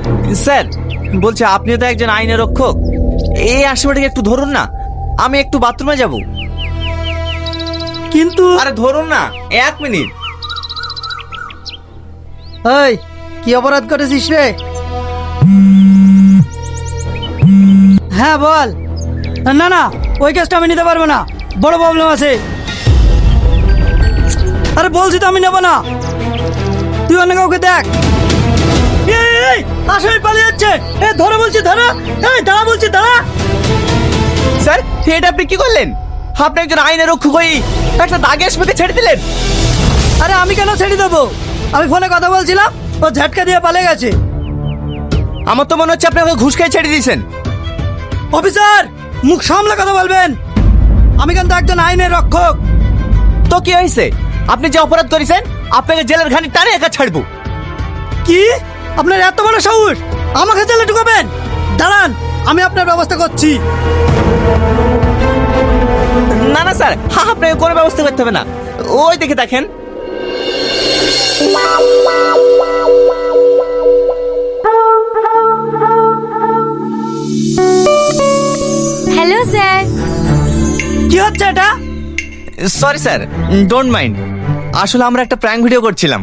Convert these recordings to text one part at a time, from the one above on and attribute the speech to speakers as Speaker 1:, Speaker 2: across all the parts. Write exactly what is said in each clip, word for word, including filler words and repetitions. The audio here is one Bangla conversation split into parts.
Speaker 1: স্যার বলছে আপনি তো একজন আইনের রক্ষক, এই আসামিটাকে একটু ধরুন না, আমি একটু বাথরুমে যাব।
Speaker 2: কিন্তু
Speaker 1: আরে ধরুন না, এক মিনিট।
Speaker 2: এই কি অপরাধ করেছিস রে? হ্যাঁ বল। না না, ওই কেসটা আমি নিতে পারবো না, বড় প্রবলেম আছে। আরে বলছি তো আমি নেব না, তুই অন্য কাউকে দেখ। এই, এই, আসামি পালিয়ে যাচ্ছে, এ ধরে বলছি ধরা, এই দাঁড়া বলছি দাঁড়া।
Speaker 1: স্যার এটা আপনি কি করলেন? আপনি একজন আইনের রক্ষক হয়ে একটা দাগে আসামিকে ছেড়ে দিলেন।
Speaker 2: আরে আমি কেন ছেড়ে দেবো? আমি ফোনে কথা বলছিলাম, ও ঝটকা দিয়ে পালিয়ে গেছে।
Speaker 1: আমার তো মনে হচ্ছে আপনি ওকে ঘুষ খেয়ে ছেড়ে দিয়েছেন।
Speaker 2: অফিসার মুখ সামলে কথা বলবেন, আমি কিন্তু একজন আইনের রক্ষক।
Speaker 1: তো কি হয়েছে? আপনি যে অপরাধ করেছেন আপনাকে জেলের ঘানি টানে একা ছাড়বো।
Speaker 2: কি আপনার এত বড় সাহস, আমাকে জেলে ঢুকাবেন? দাঁড়ান আমি আপনার ব্যবস্থা করছি।
Speaker 1: না না স্যার, হ্যাঁ আপনাকে কোনো ব্যবস্থা করতে হবে না, ওই দেখে দেখেন।
Speaker 3: Hello sir.
Speaker 2: কি হচ্ছে এটা?
Speaker 1: সরি স্যার, ডোন্ট মাইন্ড, আসলে আমরা একটা প্র্যাঙ্ক ভিডিও করছিলাম।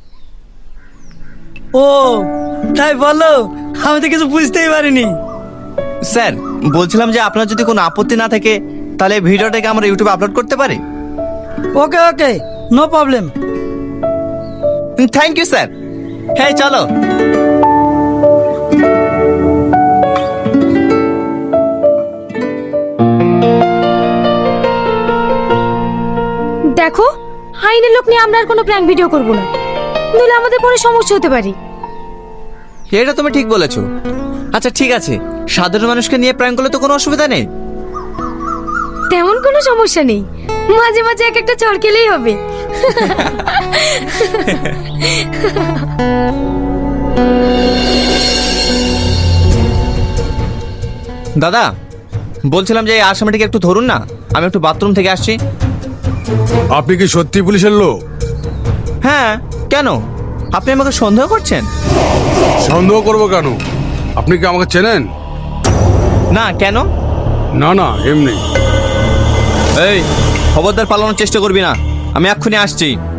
Speaker 2: ও তাই বলো, আমি তো কিছু বুঝতেই পারিনি।
Speaker 1: স্যার বলছিলাম যে আপনার যদি কোনো আপত্তি না থাকে তাহলে এই ভিডিওটাকে আমরা ইউটিউবে আপলোড করতে পারি।
Speaker 2: Okay okay, no problem.
Speaker 1: Thank you sir. হ্যাঁ চলো।
Speaker 3: দেখো, আইনের লোক নিয়ে আমরা আর কোনো প্র্যাঙ্ক ভিডিও করব না, নইলে আমাদের পরে সমস্যা হতে পারে।
Speaker 1: এটা তুমি ঠিক বলেছো। আচ্ছা ঠিক আছে, সাধারণ মানুষকে নিয়ে প্র্যাঙ্ক করলে তো কোনো অসুবিধা নেই।
Speaker 3: তেমন কোনো সমস্যা নেই, মাঝে মাঝে এক একটা চড় খেলেই হবে।
Speaker 1: দাদা বলছিলাম যে এই আসামিটাকে একটু ধরুন না, আমি একটু বাথরুম থেকে আসছি।
Speaker 4: আপনি কি সত্যি পুলিশের লোক?
Speaker 1: হ্যাঁ কেন, আপনি আমাকে সন্দেহ করছেন?
Speaker 4: সন্দেহ করবো কেন? আপনি কি আমাকে চেনেন?
Speaker 1: না কেন?
Speaker 4: না না, এমনি।
Speaker 1: এই খবরদার পালানোর চেষ্টা করবি না, আমি এক্ষুনি আসছি।